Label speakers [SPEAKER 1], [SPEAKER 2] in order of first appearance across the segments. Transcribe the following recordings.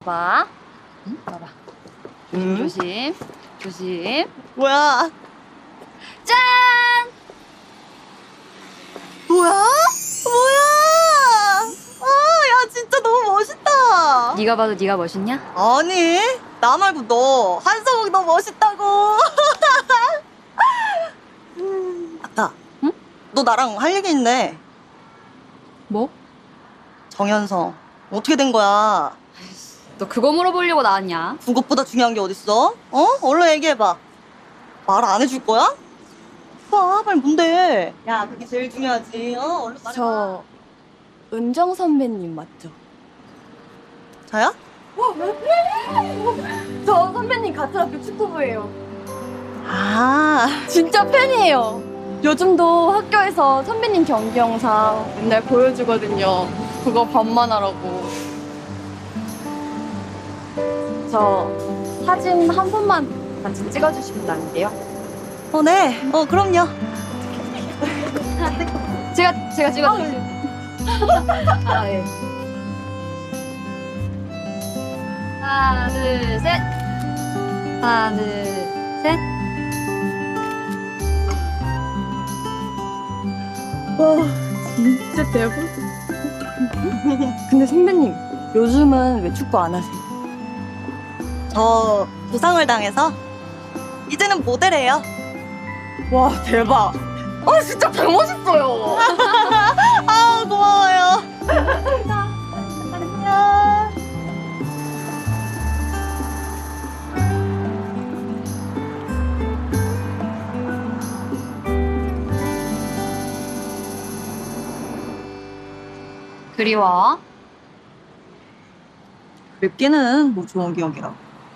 [SPEAKER 1] 봐봐. 응? 봐봐. 조심, 조심.
[SPEAKER 2] 뭐야?
[SPEAKER 1] 짠!
[SPEAKER 2] 뭐야? 뭐야? 아, 야, 진짜 너무 멋있다.
[SPEAKER 1] 네가 봐도 네가 멋있냐?
[SPEAKER 2] 아니, 나 말고 너. 한서복 너 멋있다고. 아까,
[SPEAKER 1] 응?
[SPEAKER 2] 너 나랑 할 얘기 있네.
[SPEAKER 1] 뭐?
[SPEAKER 2] 정현성. 어떻게 된 거야?
[SPEAKER 1] 너 그거 물어보려고 나왔냐?
[SPEAKER 2] 그것보다 중요한 게 어딨어? 어? 얼른 얘기해봐. 말 안 해줄 거야? 봐, 빨리 뭔데? 야, 그게 제일 중요하지. 어? 얼른 말해봐.
[SPEAKER 3] 저 은정 선배님 맞죠?
[SPEAKER 2] 저야?
[SPEAKER 3] 저 선배님 같은 학교 축구부예요.
[SPEAKER 2] 아,
[SPEAKER 3] 진짜 팬이에요. 요즘도 학교에서 선배님 경기 영상 맨날 보여주거든요. 그거 반만하라고. 저 사진 한 번만 같이 찍어주시면 안 돼요?
[SPEAKER 2] 네. 그럼요.
[SPEAKER 1] 제가 찍어드릴게요. 아, 예. 하나, 둘, 셋. 하나, 둘, 셋.
[SPEAKER 3] 와, 진짜 대박. 근데 선배님, 요즘은 왜 축구 안 하세요?
[SPEAKER 2] 저 부상을 당해서 이제는 모델이에요.
[SPEAKER 3] 와, 대박. 아, 진짜 개멋있어요.
[SPEAKER 2] 아, 고마워요. 안녕.
[SPEAKER 1] 그리워.
[SPEAKER 2] 맵기는 뭐 좋은 기억이라.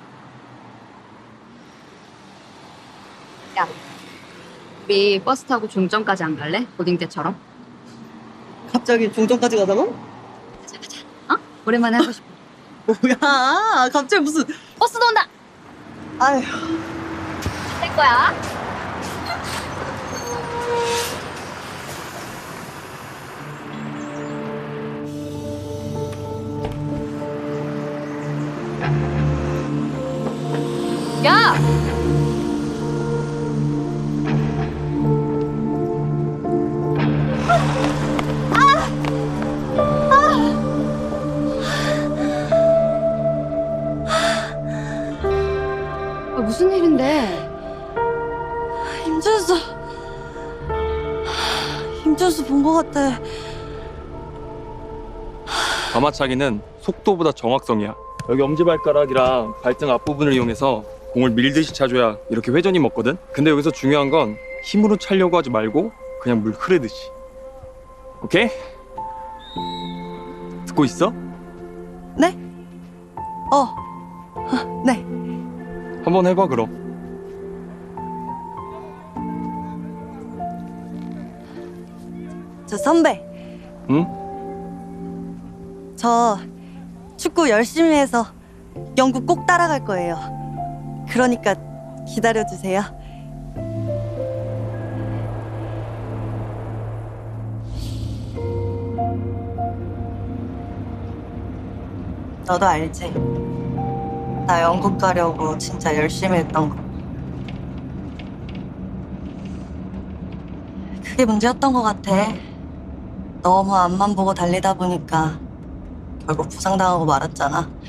[SPEAKER 1] 야, 우리 버스 타고 종점까지 안 갈래? 고딩 때처럼?
[SPEAKER 2] 갑자기 종점까지 가자고?
[SPEAKER 1] 가자, 가자. 어? 오랜만에 하고 싶어.
[SPEAKER 2] 뭐야? 갑자기 무슨?
[SPEAKER 1] 버스도 온다!
[SPEAKER 2] 아휴.
[SPEAKER 1] 될 거야. 야! 무슨 일인데?
[SPEAKER 2] 임준수. 임준수 본 거 같아.
[SPEAKER 4] 가마차기는 속도보다 정확성이야. 여기 엄지발가락이랑 발등 앞부분을 이용해서 공을 밀듯이 차줘야 이렇게 회전이 먹거든. 근데 여기서 중요한 건 힘으로 차려고 하지 말고 그냥 물 흐르듯이. 오케이? 듣고 있어?
[SPEAKER 2] 네? 네.
[SPEAKER 4] 한번 해봐 그럼.
[SPEAKER 2] 저 선배.
[SPEAKER 4] 응?
[SPEAKER 2] 저 축구 열심히 해서 영국 꼭 따라갈 거예요. 그러니까 기다려주세요. 너도 알지? 나 영국 가려고 진짜 열심히 했던 거. 그게 문제였던 것 같아. 너무 앞만 보고 달리다 보니까 결국 부상당하고 말았잖아.